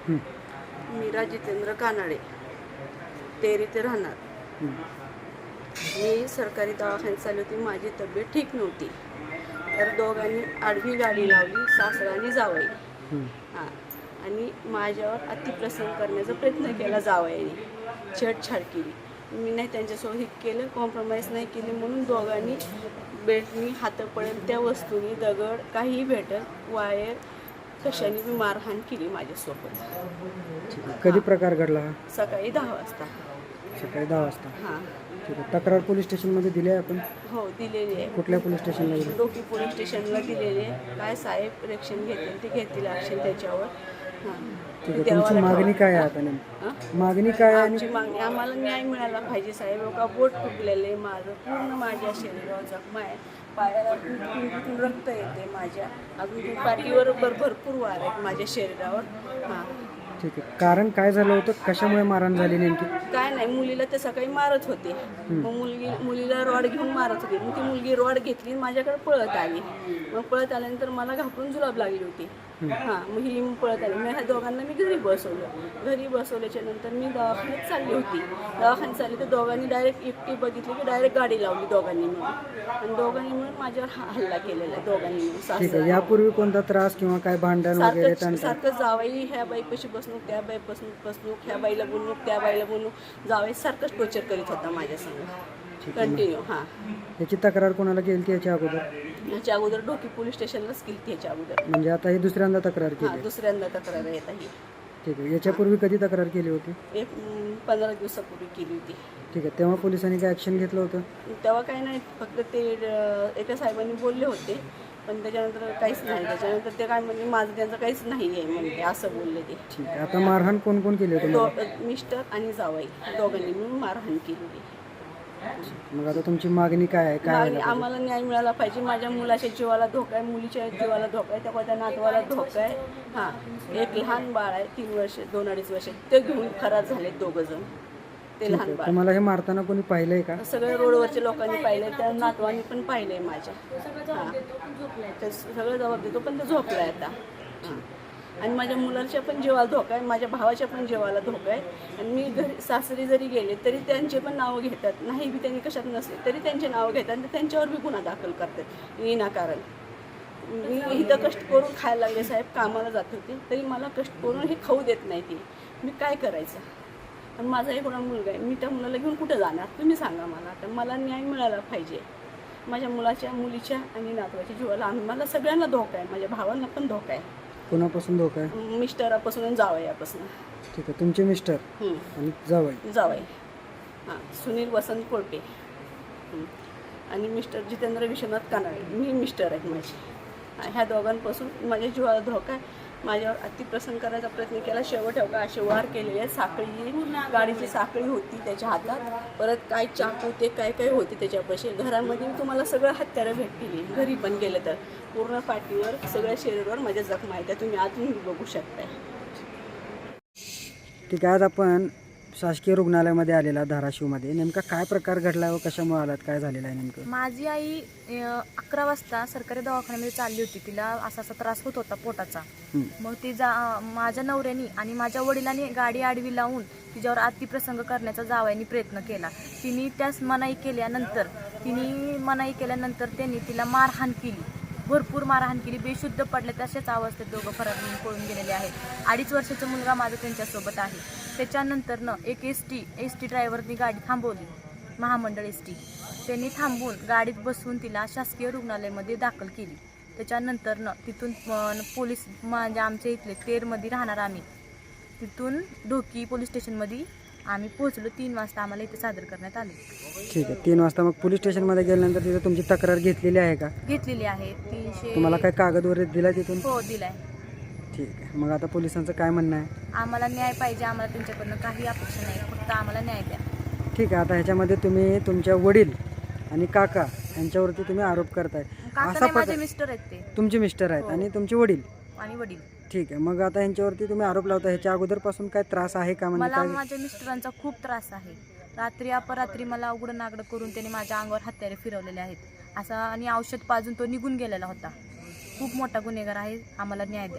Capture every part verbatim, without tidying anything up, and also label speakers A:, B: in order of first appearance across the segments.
A: मीरा जितेंद्र कानाडे, तेरी ते राहणार. मी सरकारी दवाखान्यात चालली होती. माझी तब्येत ठीक नव्हती, तर दोघांनी आडवी गाडी लावली, सासराने जावई. हां, आणि माझ्यावर अतिप्रसंग करण्याचा प्रयत्न केला जावयाने, छेडछाड केली. मी नाही त्यांच्यासोबत हे केलं, कॉम्प्रोमाइज नाही केली, म्हणून दोघांनी बेल्टनी, हातं पडेल त्या वस्तूंनी, दगड काहीही भेटेल, वायर कशाने मी मारहाण केली माझ्यासोबत.
B: कधी प्रकार घडला हा?
A: सकाळी दहा वाजता.
B: सकाळी दहा वाजता.
A: हां,
B: ठीक आहे. तक्रार पोलीस स्टेशनमध्ये दिली आहे आपण?
A: हो, दिलेली आहे.
B: कुठल्या पोलीस स्टेशनला दिली?
A: डोकी पोलीस स्टेशनला दिलेली आहे. काय साहेब रिएक्शन घेतील ते घेतील ॲक्शन त्याच्यावर. हां,
B: ठीक आहे. तुमची मागणी काय आहे आता नेमकी? मागणी काय आहे?
A: आमची मागणी, आम्हाला न्याय मिळाला पाहिजे साहेब. का बोट तुटलेले माझं, पूर्ण माझ्या शरीरावर जखमा आहे, पायाला तिथून रक्त येते माझ्या, अजून पाठीवर भर भरपूर वार आहेत माझ्या शरीरावर. हां,
B: ठीक आहे. कारण काय झालं होतं? कशामुळे मारहाण झाली नेमकी?
A: काय नाही, मुलीला ते सकाळी मारत होते. मग मुलगी मुलीला रॉड घेऊन मारत होती. मग ती मुलगी रॉड घेतली, माझ्याकडे पळत आली. मग पळत आल्यानंतर मला घाबरून जुलाब लागली होती. हां, मग ही पळत आली. मी ह्या दोघांना मी घरी बसवलं. घरी बसवल्याच्या नंतर मी दवाखान्यात चालली होती. दवाखान्यात चालली तर दोघांनी डायरेक्ट एकटी बघितली की डायरेक्ट गाडी लावली दोघांनी मिळून, आणि दोघांनी मिळून माझ्यावर हा हल्ला केलेला आहे दोघांनी मिळून.
B: ठीक आहे.
A: सासरा
B: यापूर्वी कोणता त्रास किंवा काय भांडण वगैरे?
A: सारखं सारखं जावई ह्या बाईपाशी बसणूक, त्या बाईपासून बसणूक, ह्या बाईला बोलणूक, त्या बाईला बोलणूक, जावई सारखंच टोचर करीत होता माझ्या संग कंटिन्यू. हां,
B: याची तक्रार कोणाला केली ती याच्या अगोदर?
A: ह्याच्या अगोदर डोकी पोलीस स्टेशनलाच केली ह्याच्या अगोदर.
B: म्हणजे आता ही दुसऱ्यांदा तक्रार
A: हां,
B: केली?
A: दुसऱ्यांदा तक्रार येत आहे.
B: ठीक आहे. याच्यापूर्वी कधी तक्रार केली होती?
A: एक अं, पंधरा दिवसापूर्वी केली होती.
B: ठीक आहे. तेव्हा पोलिसांनी काय ॲक्शन घेतलं होतं?
A: तेव्हा काही नाही, फक्त ते अं, एका साहेबांनी बोलले होते, पण त्याच्यानंतर काहीच नाही. त्याच्यानंतर ते काय म्हणजे माझं त्यांचं काहीच नाही आहे म्हणते, असं बोलले ते.
B: ठीक आहे. आता मारहाण कोण कोण केली होती?
A: दो मिस्टर आणि जावई दोघांनी मिळून मारहाण केलेली.
B: मग आता तुमची मागणी काय आहे? काय
A: मागणी, आम्हाला न्याय मिळाला पाहिजे. माझ्या मुलाच्या जीवाला धोका आहे, मुलीच्या जीवाला धोका आहे, त्यामुळे त्या नातवाला धोका आहे. हां, एक लहान बाळ आहे, तीन वर्ष दोन अडीच वर्ष, ते घेऊन फरार झाले दोघं जण. ते लहान बाळ
B: तुम्हाला हे मारताना कोणी पाहिलंय का?
A: सगळे रोडवरच्या लोकांनी पाहिलंय, त्या नातवांनी पण पाहिलंय माझ्या. हां, ते सगळं जबाब देतो, पण ते झोपलाय आता. हां, आणि माझ्या मुलाच्या पण जीवाला धोका आहे, माझ्या भावाच्या पण जीवाला धोका आहे. आणि मी घरी सासरी जरी गेले तरी त्यांचे पण नावं घेतात, नाही बी त्यांनी कशात नसले तरी त्यांचे नावं घेतात आणि त्यांच्यावर बी गुन्हा दाखल करतात विनाकारण. मी इथं कष्ट करून खायला लागले साहेब, कामाला जात होते तरी मला कष्ट करून हे खाऊ देत नाही ती. मी काय करायचं? आणि माझा एक मुलगा आहे, मी त्या मुलाला घेऊन कुठं जाणार तुम्ही सांगा मला. तर मला न्याय मिळाला पाहिजे. माझ्या मुलाच्या, मुलीच्या आणि नातवाच्या जीवाला, आम्हाला सगळ्यांना धोका आहे, माझ्या भावांना पण धोका आहे.
B: कोणापासून धोका आहे?
A: मिस्टरापासून आणि जावयापासून.
B: ठीक आहे. तुमचे मिस्टर आणि जावई?
A: जावई हां, सुनील वसंत कोळपे आणि मिस्टर जितेंद्र विश्वनाथ कानाडे, मी मिस्टर आहेत माझे. ह्या दोघांपासून माझ्या जीवाला धोका आहे. माझ्यावर अतिप्रसंग करायचा प्रयत्न केला. शेवट का असे वार केलेले आहेत. साखळी, गाडीची साखळी होती त्याच्या हातात, परत काय चाकू ते काय काय होते त्याच्यापाशी. घरामध्ये तुम्हाला सगळं हत्यारं भेटतील, घरी पण गेलं तर पूर्ण पाठीवर सगळ्या शरीरावर माझ्या जखमा आहेत, त्या तुम्ही आतून बघू शकताय.
B: ठीक आहे. आज आपण शासकीय रुग्णालयामध्ये आलेला धाराशिवमध्ये, नेमका काय प्रकार घडला व कशामुळे आलात, काय झालेलं आहे नेमकं?
C: माझी आई अकरा वाजता सरकारी दवाखान्यामध्ये चालली होती. तिला असा असा त्रास होत होता पोटाचा. मग ती जा माझ्या नवऱ्यानी आणि माझ्या वडिलांनी गाडी आडवी लावून तिच्यावर अतिप्रसंग करण्याचा जावयानी प्रयत्न केला. तिने त्यास मनाई केल्यानंतर तिने मनाई केल्यानंतर त्यांनी तिला मारहाण केली, भरपूर मारहाण केली. बेशुद्ध पडले, तशाच अवस्थेत दोघं फरार होऊन पळून गेलेले आहेत. अडीच वर्षाचा मुलगा माझा त्यांच्यासोबत आहे. त्याच्यानंतर न एक एस टी एस टी ड्रायव्हरनी गाडी थांबवली, महामंडळ एस टी. त्यांनी थांबून गाडीत बसवून तिला शासकीय रुग्णालयामध्ये दाखल केली. त्याच्यानंतर न तिथून पोलीस, म्हणजे आमच्या इथले तेरमध्ये राहणार आम्ही, तिथून ढोकी पोलीस स्टेशनमध्ये आम्ही पोहोचलो. तीन वाजता आम्हाला इथे सादर करण्यात आले.
B: ठीक आहे. तीन वाजता मग पोलीस स्टेशनमध्ये गेल्यानंतर तिथे तुमची तक्रार घेतलेली आहे का?
C: घेतलेली आहे. तीनशे
B: तुम्हाला काय कागद वगैरे दिला तिथून?
C: हो, दिलाय.
B: ठीक आहे. मग आता पोलिसांचं काय म्हणणं आहे?
C: आम्हाला न्याय पाहिजे. आम्हाला त्यांच्याकडनं काही अपेक्षा नाही, फक्त आम्हाला न्याय द्या.
B: ठीक आहे. आता ह्याच्यामध्ये तुम्ही तुमच्या वडील आणि काका यांच्यावरती तुम्ही आरोप करताय.
C: काका माझे मिस्टर आहेत, ते
B: तुमचे मिस्टर आहेत आणि तुमचे वडील
C: आणि वडील.
B: ठीक आहे. मग आता यांच्यावरती तुम्ही आरोप लावता, ह्याच्या अगोदरपासून काय त्रास आहे का? म्हणजे
C: मला
B: काय?
C: माझ्या मिस्टरांचा खूप त्रास आहे. रात्री अपरात्री मला उघडं नागडं करून त्यांनी माझ्या अंगावर हत्यारे फिरवलेले आहेत असा, आणि औषध पाजून तो निघून गेलेला होता. खूप मोठा गुन्हेगार आहे. आम्हाला न्याय द्या.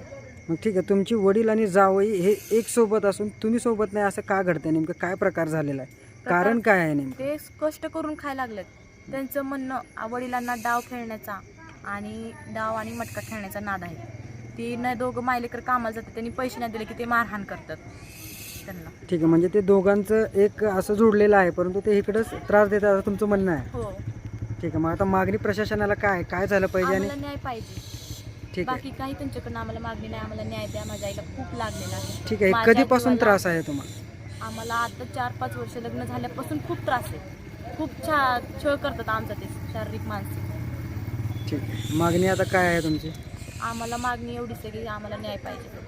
B: मग ठीक आहे, तुमची वडील आणि जावई हे एक सोबत असून तुम्ही सोबत नाही असं का घडतंय? नेमकं काय प्रकार झालेला आहे? कारण काय आहे नेमकं?
C: ते कष्ट करून खायला लागलेत. त्यांचं म्हणणं आ- वडिलांना डाव खेळण्याचा आणि डाव आणि मटका खेळण्याचा नाद आहे. ती न दोघं मायलेकर कामाला जातात, त्यांनी पैसे नाही दिले की ते मारहाण करतात त्यांना.
B: ठीक आहे, म्हणजे ते दोघांचं एक असं जोडलेलं आहे, परंतु ते इकडंच त्रास देतात असं तुमचं म्हणणं आहे.
C: हो,
B: ठीक आहे, मग आता मागणी प्रशासनाला काय काय झालं पाहिजे? आणि
C: आम्हाला न्याय पाहिजे.
B: ठीक आहे
C: बाकी काही त्यांच्याकडनं आम्हाला मागणी नाही. आम्हाला न्याय द्या. माझ्या आईला खूप लागलेला आहे.
B: ठीक आहे,
C: माझ्या
B: कधीपासून
C: जीवाला-
B: त्रास आहे तुम्हाला?
C: आम्हाला आता चार पाच वर्ष लग्न झाल्यापासून खूप त्रास आहे. खूप छा छळ करतात आमचा ते, शारीरिक मानसिक.
B: ठीक आहे, मागणी आता काय आहे तुमची?
C: आम्हाला मागणी एवढीच आहे की आम्हाला न्याय पाहिजे.